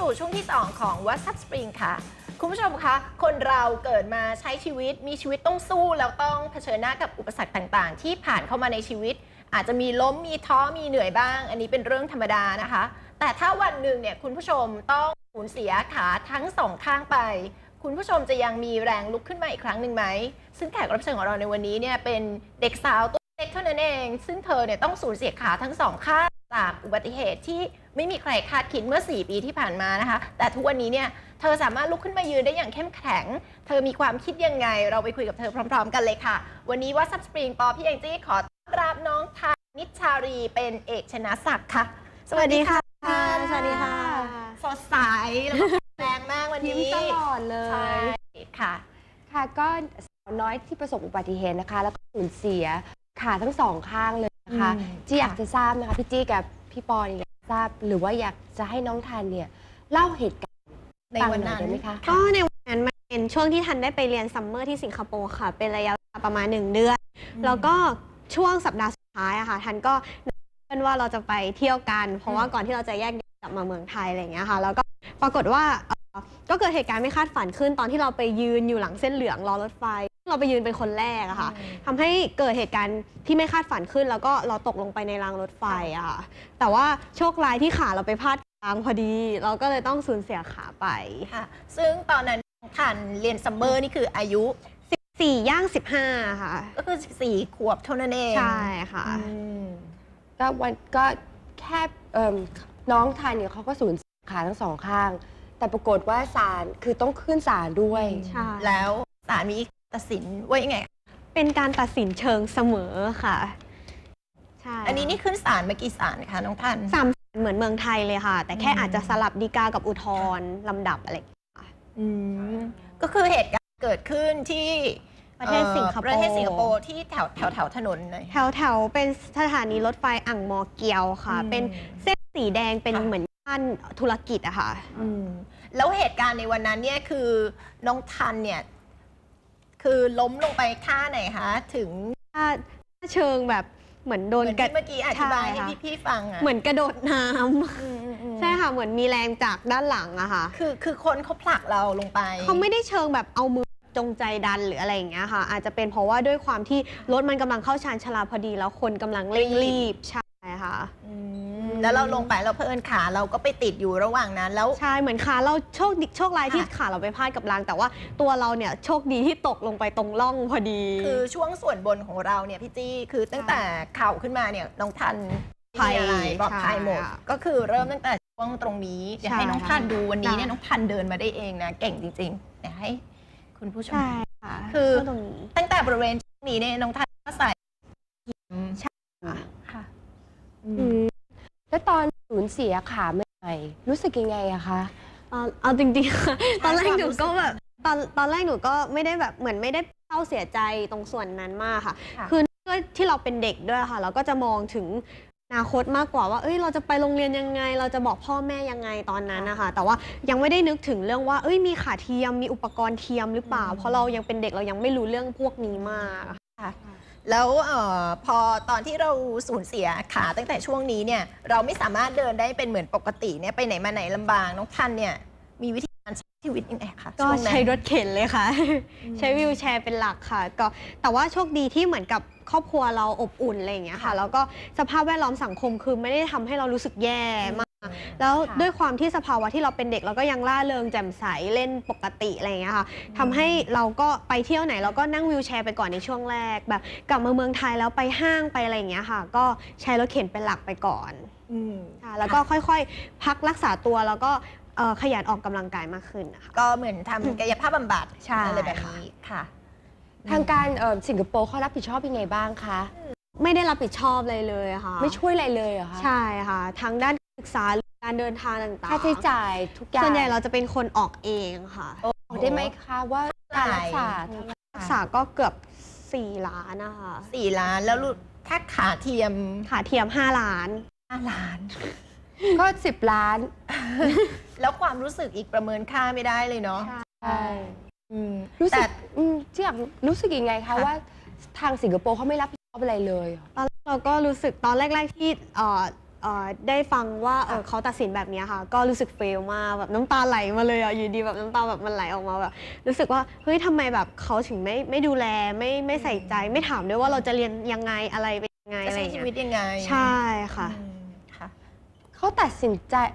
สู่ช่วงที่ 2 ของ What's Up Spring ค่ะคุณผู้ชมคะคนเราเกิดมาใช้ชีวิตมีชีวิตต้องสู้แล้วต้องเผชิญหน้ากับอุปสรรคต่างๆที่ผ่านเข้ามาในชีวิตอาจจะมีล้มมีท้อมีเหนื่อยบ้างอันนี้เป็นเรื่องธรรมดานะคะแต่ถ้าวันหนึ่งเนี่ยคุณผู้ชมต้องสูญเสียขาทั้งสองข้างไปคุณผู้ชมจะยังมีแรงลุกขึ้นมาอีกครั้งหนึ่งไหมซึ่งแขกรับเชิญของเราในวันนี้เนี่ยเป็นเด็กสาวตัวเล็กเท่านั้นเองซึ่งเธอเนี่ยต้องสูญเสียขาทั้งสองข้างจากอุบัติเหตุที่ไม่มีใครคาดคิดเมื่อ4 ปีที่ผ่านมานะคะแต่ทุกวันนี้เนี่ยเธอสามารถลุกขึ้นมายืนได้อย่างเข้มแข็งเธอมีความคิดยังไงเราไปคุยกับเธอพร้อมๆกันเลยค่ะวันนี้ว่าซับสปริงปอพี่แองจี้ขอต้อนรับน้องทานิชชารีเป็นเอกชนะศักดิ์ค่ะสวัสดีค่ะสวัสดีค่ะสดใสแล้วก็แรงมากวันนี้ยิ้มตลอดเลยใช่ค่ะค่ะก็สาวน้อยที่ประสบอุบัติเหตุนะคะแล้วก็สูญเสียขาทั้งสองข้างเลยนะคะจี้อยากจะทราบนะคะพี่จี้กับพี่ปออยากทราบหรือว่าอยากจะให้น้องทันเนี่ยเล่าเหตุการณ์ในวันนั้นได้ไหมคะก็ในวันนั้นมันเป็นช่วงที่ทันได้ไปเรียนซัมเมอร์ที่สิงคโปร์ค่ะเป็นระยะเวลาประมาณ1 เดือนแล้วก็ช่วงสัปดาห์สุดท้ายอะค่ะทันก็เพื่อนว่าเราจะไปเที่ยวกันเพราะว่าก่อนที่เราจะแยกกลับมาเมืองไทยอะไรอย่างเงี้ยค่ะแล้วก็ปรากฏว่าก็เกิดเหตุการณ์ไม่คาดฝันขึ้นตอนที่เราไปยืนอยู่หลังเส้นเหลืองรอรถไฟเราไปยืนเป็นคนแรกอะค่ะทำให้เกิดเหตุการณ์ที่ไม่คาดฝันขึ้นแล้วก็เราตกลงไปในรางรถไฟอะค่ะแต่ว่าโชคร้ายที่ขาเราไปพลาดกลางพอดีเราก็เลยต้องสูญเสียขาไปค่ะซึ่งตอนนั้นทันเรียนซัมเมอร์นี่คืออายุ 14 ย่าง 15ค่ะก็คือ4 ขวบเท่านั้นเองใช่ค่ะก็แค่น้องทันเนี่ยเขาก็สูญเสียขาทั้งสองข้างแต่ปรากฏว่าศาลคือต้องขึ้นศาลด้วยใช่แล้วศาลมีตัดสินว่ายังไงเป็นการตัดสินเชิงเสมอค่ะใช่อันนี้นี่ขึ้นศาลเมื่อกี่ศาลคะน้องทัน 3 ศาลเหมือนเมืองไทยเลยค่ะแต่แค่อาจจะสลับฎีกากับอุทธรณ์ลำดับอะไรก็คือเหตุการณ์เกิดขึ้นที่ประเทศสิงคโปร์ที่แถวถนนเลยแถวเป็นสถานีรถไฟอ่างมอเกียวค่ะเป็นเส้นสีแดงเป็นเหมือนย่านธุรกิจอะค่ะแล้วเหตุการณ์ในวันนั้นเนี่ยคือน้องทันเนี่ยคือล้มลงไปท่าไหนคะถึงท่าเชิงแบบเหมือนโดนเมื่อกี้อธิบายให้พี่ฟังอะเหมือนกระโดดน้ำใช่ค่ะเหมือนมีแรงจากด้านหลังอะค่ะคือคนเขาผลักเราลงไปเขาไม่ได้เชิงแบบเอามือจงใจดันหรืออะไรอย่างเงี้ยค่ะอาจจะเป็นเพราะว่าด้วยความที่รถมันกำลังเข้าชานชาลาพอดีแล้วคนกำลังเร่งรีบใช่ค่ะแล้วเราลงไปเราเพิ่นขาเราก็ไปติดอยู่ระหว่างนั้นแล้วใช่เหมือนขาเราโชคร้ายที่ขาเราไปพลาดกับรางแต่ว่าตัวเราเนี่ยโชคดีที่ตกลงไปตรงร่องพอดีคือช่วงส่วนบนของเราเนี่ยพี่จี้คือตั้งแต่เข่าขึ้นมาเนี่ยน้องทันปลอดภัยหมดก็คือเริ่มตั้งแต่ช่วงตรงนี้เดี๋ยวให้น้องทันดูวันนี้เนี่ยน้องทันเดินมาได้เองนะเก่งจริงๆเดี๋ยวให้คุณผู้ชมคือตั้งแต่บริเวณช่วงนี้เนี่ยน้องทันก็ใส่ใช่ค่ะแล้วตอนสูญเสียขาเมื่อไหร่รู้สึกยังไงอะคะเอาจริงๆค่ะตอนแรกหนูก็แบบตอนแรกหนูก็ไม่ได้แบบเหมือนไม่ได้เศร้าเสียใจตรงส่วนนั้นมากค่ะคือที่เราเป็นเด็กด้วยค่ะเราก็จะมองถึงอนาคตมากกว่าว่าเราจะไปโรงเรียนยังไงเราจะบอกพ่อแม่ยังไงตอนนั้นนะคะแต่ว่ายังไม่ได้นึกถึงเรื่องว่ามีขาเทียมมีอุปกรณ์เทียมหรือเปล่าเพราะเรายังเป็นเด็กเรายังไม่รู้เรื่องพวกนี้มากค่ะแล้วพอตอนที่เราสูญเสียขาตั้งแต่ช่วงนี้เนี่ยเราไม่สามารถเดินได้เป็นเหมือนปกติเนี่ยไปไหนมาไหนลำบากน้องทันเนี่ยมีวิธีการใช้ชีวิตยังไงคะก็ใช้รถเข็นเลยค่ะใช้วีลแชร์เป็นหลักค่ะก็แต่ว่าโชคดีที่เหมือนกับครอบครัวเราอบอุ่นอะไรอย่างเงี้ยค่ะแล้วก็สภาพแวดล้อมสังคมคือไม่ได้ทำให้เรารู้สึกแย่มากแล้วด้วยความที่สภาวะที่เราเป็นเด็กเราก็ยังร่าเริงแจ่มใสเล่นปกติอะไรอย่างเงี้ยค่ะทำให้เราก็ไปเที่ยวไหนเราก็นั่งวีลแชร์ไปก่อนในช่วงแรกแบบกลับมาเมืองไทยแล้วไปห้างไปอะไรอย่างเงี้ยค่ะก็ใช้รถเข็นเป็นหลักไปก่อนแล้วก็ค่อยๆพักรักษาตัวแล้วก็ขยันออกกำลังกายมากขึ้นนะคะก็เหมือนทำกายภาพบำบัดอะไรแบบนี้ค่ะทางการสิงคโปร์เขารับผิดชอบยังไงบ้างคะไม่ได้รับผิดชอบเลยค่ะไม่ช่วยอะไรเลยเหรอคะใช่ค่ะทางด้านศึกษาการเดินทางต่างๆค่าใช้จ่ายทุกอย่างส่วนใหญ่เราจะเป็นคนออกเองค่ะบอกได้ไหมคะว่าการรักษาก็เกือบ4 ล้านนะคะ 4 ล้านแล้วถ้าขาเทียม 5 ล้านก็10 ล้านแล้วความรู้สึกอีกประเมินค่าไม่ได้เลยเนาะใช่รู้สึกที่อยากรู้สึกยังไงคะว่าทางสิงคโปร์เขาไม่รับผิดชอบอะไรเลยตอนเราก็รู้สึกตอนแรกๆที่ได้ฟังว่าเขาตัดสินแบบนี้ค่ะก็รู้สึกเฟลมากแบบน้ำตาไหลมาเลยอ่ะอยู่ดีแบบน้ำตาแบบมันไหลออกมาแบบรู้สึกว่าเฮ้ยทำไมแบบเขาถึงไม่ดูแลไม่ใส่ใจไม่ถามด้วยว่าเราจะเรียนยังไงอะไรเป็นยังไงจะอะไรใช้อย่างชีเงี้วิตยยังไงใช่ค่ะค่ะเขาตัดสิน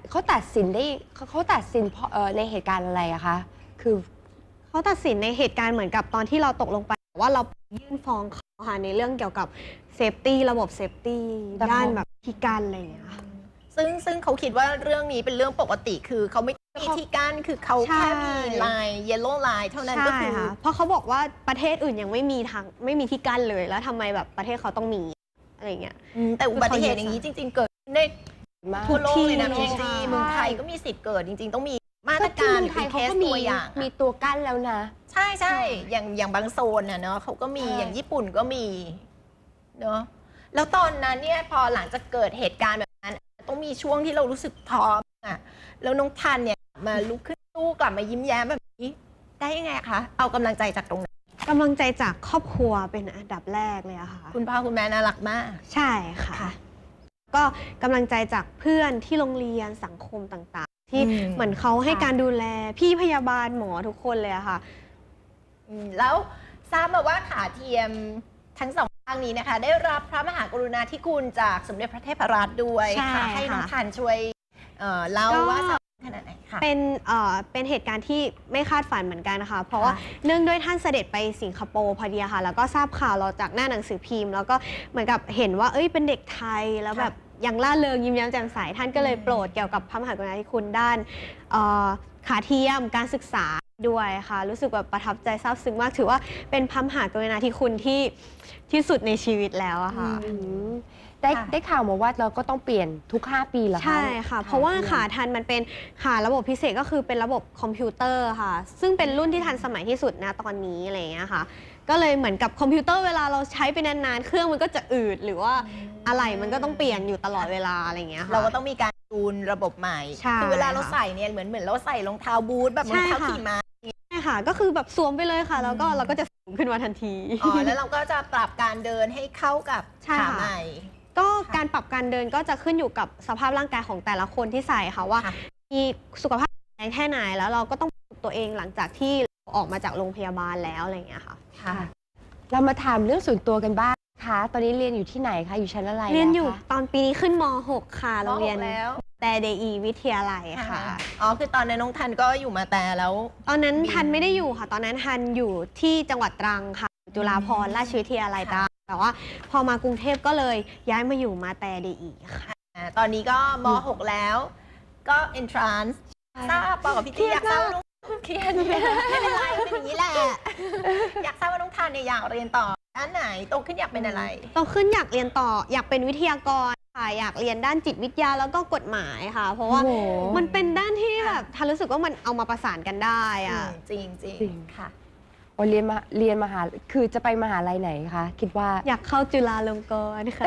เพราะในเหตุการณ์อะไรอะคะคือเขาตัดสินในเหตุการณ์เหมือนกับตอนที่เราตกลงไปว่าเรายื่นฟ้องเขาค่ะในเรื่องเกี่ยวกับเซฟตี้ระบบเซฟตี้แต่เขาด้านแบบที่กันอะไรอย่างเงี้ยค่ะซึ่งเขาคิดว่าเรื่องนี้เป็นเรื่องปกติคือเขาไม่มีที่กั้นคือเขาใช่แค่มีลาย yellow line เท่านั้นก็ใช่คือค่ะเพราะเขาบอกว่าประเทศอื่นยังไม่มีที่กั้นเลยแล้วทำไมแบบประเทศเขาต้องมีอะไรอย่างเงี้ยแต่อุบัติเหตุอย่างนี้จริง ๆ เกิดขึ้นได้มากทั่วโลกเลยนะทุพี่กที่จีใช่เมืองไทยก็มีสิทธิ์เกิดจริง ๆ ต้องมีมาตก็รที่การเมืองหรือไทยเป็นเคเขาสก็ตัวอย่างมีตัวกั้นแล้วนะใช่อย่างบางโซนน่ะเนาะเขาก็มีใช่อย่างญี่ปุ่นก็มีเนาะแล้วตอนนั้นเนี่ยพอหลังจากเกิดเหตุการณ์แบบนั้นต้องมีช่วงที่เรารู้สึกท้ออ่ะแล้วน้องทันเนี่ยมาลุกขึ้นสู้กลับมายิ้มแย้มแบบนี้ได้ยังไงคะเอากำลังใจจากตรงไหนกำลังใจจากครอบครัวเป็นอันดับแรกเลยอะค่ะคุณพ่อคุณแม่น่ารักมากใช่ค่ะค่ะก็กำลังใจจากเพื่อนที่โรงเรียนสังคมต่างๆ ที่อืมเหมือนเขาให้ค่ะการดูแลพี่พยาบาลหมอทุกคนเลยอะค่ะแล้วทราบมาว่าขาเทียมทั้งสองข้างนี้นะคะ ได้รับพระมหากรุณาธิคุณจากสมเด็จพระเทพรัตน์ด้วยใช่ค่ะให้น้องค่ะทันช่วยเล่าก็ว่าสำคัญขนาดไหนค่ะเป็นเหตุการณ์ที่ไม่คาดฝันเหมือนกันนะคะ เพราะว่าค่ะเนื่องด้วยท่านเสด็จไปสิงคโปร์พอดีอะค่ะ แล้วก็ทราบข่าวเราจากหน้าหนังสือพิมพ์ แล้วก็เหมือนกับเห็นว่าเป็นเด็กไทยแล้วแบบยังล่าเริงยิ้มแย้มแจ่มใสท่านก็เลยโปรดเกี่ยวกับพระมหากรุณาธิคุณด้านขาเทียมการศึกษาด้วยค่ะ รู้สึกแบบประทับใจซาบซึ้งมากถือว่าเป็นพระมหากรุณาธิคุณที่สุดในชีวิตแล้วอะค่ะอืมได้ข่าวมาว่าเราก็ต้องเปลี่ยนทุก 5 ปีเหรอคะใช่ค่ะ เพราะว่าขาทันมันเป็นขาระบบพิเศษก็คือเป็นระบบคอมพิวเตอร์ค่ะ ซึ่งเป็นรุ่นที่ทันสมัยที่สุดนะตอนนี้อะไรอย่างเงี้ยค่ะ ก็เลยเหมือนกับคอมพิวเตอร์เวลาเราใช้ไปนานๆ เครื่องมันก็จะอืดหรือว่าอะไรมันก็ต้องเปลี่ยนอยู่ตลอดเวลาอะไรอย่างเงี้ยค่ะเราก็ต้องมีการจูนระบบใหม่ใช่คือเวลาเราค่ะใส่เนี่ยเหมือนเราใส่รองเท้าบูทแบบรองเท้าใช่ค่ะขี่ม้าใช่ค่ะ ก็คือแบบสวมไปเลยค่ะ แล้วก็เราก็จะสูงขึ้นมาทันทีแล้วเราก็จะปรับการเดินให้เข้ากับใช่ขาค่ะใหม่ก็การปรับการเดินก็จะขึ้นอยู่กับสภาพร่างกายของแต่ละคนที่ใส่ค่ะว่าค่ะมีสุขภาพแข็งแรงแค่ไหนแล้วเราก็ต้องฝึกตัวเองหลังจากที่เราออกมาจากโรงพยาบาลแล้วอะไรอย่างเงี้ยค่ะค่ะเรามาถามเรื่องส่วนตัวกันบ้างคะตอนนี้เรียนอยู่ที่ไหนคะอยู่ชั้นอะไรเรียนอยู่แล้วคะตอนปีนี้ขึ้นม .6 ค่ะโรงเรียนม .6 แล้วแต่เดอีวิทยาลัยค่ะอ๋อคือตอนนั้นน้องทันก็อยู่มาแต่แล้วตอนนั้นบินทันไม่ได้อยู่ค่ะ ตอนนั้นทันอยู่ที่จังหวัดตรังค่ะ จุฬาภรณราชวิทยาลัยตรังแต่ว่าพอมากรุงเทพก็เลยย้ายมาอยู่มาแต่เดอีค่ะตอนนี้ก็ม .6 แล้วก็ entrance ทราบปอกับพี่จีอยากทราบว่าน้องเครียดไม่เป็นไรเป็นอย่างนี้แหละ อยากทราบว่าน้องทันเนี่ยอยากเรียนต่อด้านไหนโตขึ้นอยากเป็นอะไรโตขึ้นอยากเรียนต่ออยากเป็นวิทยากรค่ะอยากเรียนด้านจิตวิทยาแล้วก็กฎหมายค่ะ เพราะว่าโอ้โหมันเป็นด้านที่แบบทันรู้สึกว่ามันเอามาประสานกันได้อะจริงจริงจริงค่ะโอ้เรียนมหาคือจะไปมหาลัยไหนคะคิดว่าอยากเข้าจุฬาลงกรณ์ค่ะ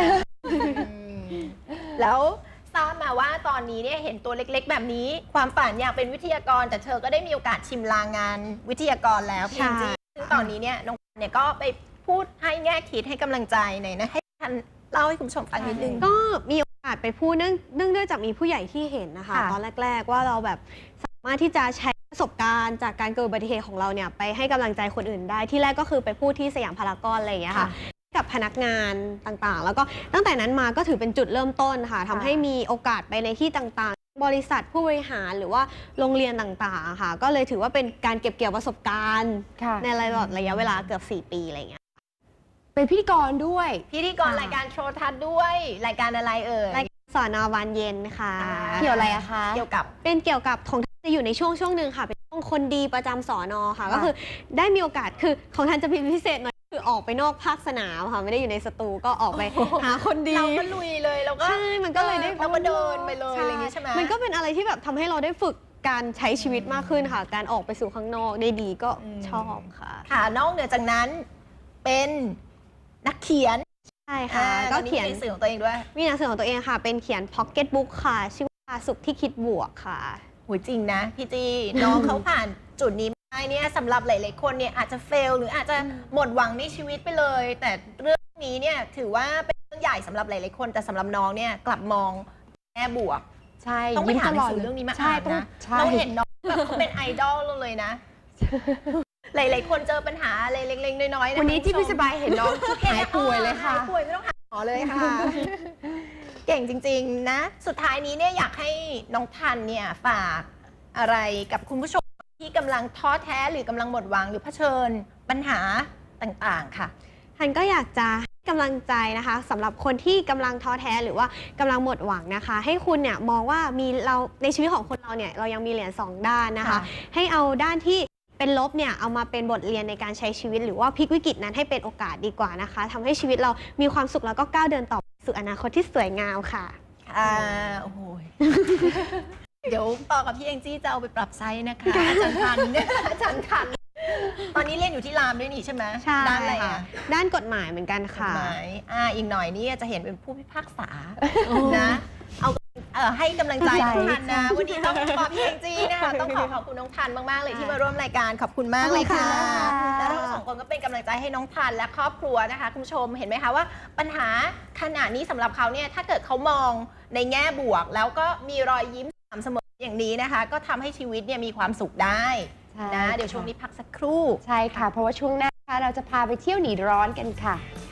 แล้วทราบมาว่าตอนนี้เนี่ยเห็นตัวเล็กๆ แบบนี้ ความฝันอยากเป็นวิทยากร แต่เธอก็ได้มีโอกาสชิมลางงานวิทยากรแล้วพี่ใช่จีซึ่งตอนนี้เนี่ยน้องเนี่ยก็ไปพูดให้แง่คิดให้กำลังใจหน่อยนะให้ทันเล่าให้คุณผู้ชมฟังนิดนึงก็มีโอกาสไปพูดเนื่องด้วยจากมีผู้ใหญ่ที่เห็นนะคะค่ะตอนแรก ๆ ว่าเราแบบสามารถที่จะใช้ประสบการณ์จากการเกิดอุบัติเหตุของเราเนี่ยไปให้กำลังใจคนอื่นได้ที่แรกก็คือไปพูดที่สยามพารากอนอะไรอย่างเงี้ยค่ะ กับพนักงานต่างๆ แล้วก็ตั้งแต่นั้นมาก็ถือเป็นจุดเริ่มต้นค่ะทำให้มีโอกาสไปในที่ต่างๆ บริษัทผู้บริหารหรือว่าโรงเรียนต่างๆค่ะ ก็เลยถือว่าเป็นการเก็บเกี่ยวประสบการณ์ค่ะในระยะเวลาเกือบ4 ปีอะไรอย่างเงี้ยเป็นพิธีกรด้วยพิธีกรรายการโทรทัศน์ด้วยรายการอะไรเอ่ยรายการสอนอวันเย็นค่ะเกี่ยวอะไรอะคะเกี่ยวกับเป็นเกี่ยวกับของท่านจะอยู่ในช่วงหนึ่งค่ะ เป็นช่วงคนดีประจำสอนอค่ะ ก็คือได้มีโอกาสคือของท่านจะเป็นพิเศษหน่อยคือออกไปนอกภาคสนามค่ะไม่ได้อยู่ในสตูก็ออกไปหาคนดีเราก็ลุยเลยเราก็ใช่มันก็เลยได้เราก็เดินไปเลยอะไรอย่างงี้ใช่ไหมมันก็เป็นอะไรที่แบบทำให้เราได้ฝึกการใช้ชีวิตมากขึ้นค่ะ การออกไปสู่ข้างนอกได้ดีก็ชอบค่ะค่ะนอกเหนือจากนั้นเป็นนักเขียนใช่ค่ะก็ก็เขีเขียยนนหนังสือของตัวเองด้วยมีหนังสือของตัวเองค่ะ เป็นเขียนพ็อกเก็ตบุ๊กค่ะ ชื่อว่าสุขที่คิดบวกค่ะหูจริงนะพี่จีน้องเขาผ่านจุดนี้มาได้เนี่ยสำหรับหลายๆคนเนี่ยอาจจะเฟลหรืออาจจะหมดหวังในชีวิตไปเลย แต่เรื่องนี้เนี่ยถือว่าเป็นเรื่องใหญ่สำหรับหลายๆคน แต่สำหรับน้องเนี่ยกลับมองแง่บวกใช่ต้องไปยิ้มหาตหนัลงอดสือเลยเรื่องนี้มาใช่อ่านต้องนะใช่เราเห็นน้องแบบเขาเป็นไอดอลเราเลยนะ หลายๆคนเจอปัญหาอะไรเล็กๆน้อยๆะวันนี้ที่คุณพี่ผู้ชสมบายเห็นน้องหายป่วยเลยค่ะหายป่วยไม่ต้องหาหมอเลยค่ะ เก่งจริงๆนะ สุดท้ายนี้เนี่ยอยากให้น้องทันเนี่ยฝากอะไรกับคุณผู้ชมที่กำลังท้อแท้หรือกำลังหมดหวังหรือเผชิญปัญหาต่างๆค่ะทันก็อยากจะให้กำลังใจนะคะสำหรับคนที่กำลังท้อแท้หรือว่ากำลังหมดหวังนะคะ ให้คุณเนี่ยมองว่ามีเราในชีวิตของคนเราเนี่ยเรายังมีเหรียญ2ด้านนะคะค่ะให้เอาด้านที่เป็นลบเนี่ยเอามาเป็นบทเรียนในการใช้ชีวิต หรือว่าพลิกวิกฤตนั้นให้เป็นโอกาสดีกว่านะคะทำให้ชีวิตเรามีความสุขแล้วก็ก้าวเดินต่อสู่อนาคตที่สวยงามค่ะโอ้โห เดี๋ยวต่อกับพี่แองจี้จะเอาไปปรับไซส์นะคะ อาจารย์ทันเนี่ยอาจารย์ทัน ตอนนี้เรียนอยู่ที่รามด้วยนี่ใช่ไหมใช่ด้านอะไรค่ะอ่ะด้านกฎหมายเหมือนกันกฎค่ะหมายอีกหน่อยนี่จะเห็นเป็นผู้พิพากษานะเอาให้กำลังใจน้องทันนะ วันนี้ต้องขอบพี่แองจี้นะคะต้องขอบคุณน้องทันมากๆเลยที่มาร่วมรายการขอบคุณมากเลยค่ะขอบคุณค่ะแล้วเราสองคนก็เป็นกำลังใจให้น้องทันและครอบครัวนะคะคุณผู้ชมเห็นไหมคะว่าปัญหาขนาดนี้สำหรับเขาเนี่ยถ้าเกิดเขามองในแง่บวก แล้วก็มีรอยยิ้มสม่ำเสมออย่างนี้นะคะ ก็ทำให้ชีวิตเนี่ยมีความสุขได้นะ เดี๋ยวช่วงนี้พักสักครู่ใช่ค่ะ เพราะว่าช่วงหน้าค่ะเราจะพาไปเที่ยวหนีร้อนกันค่ะ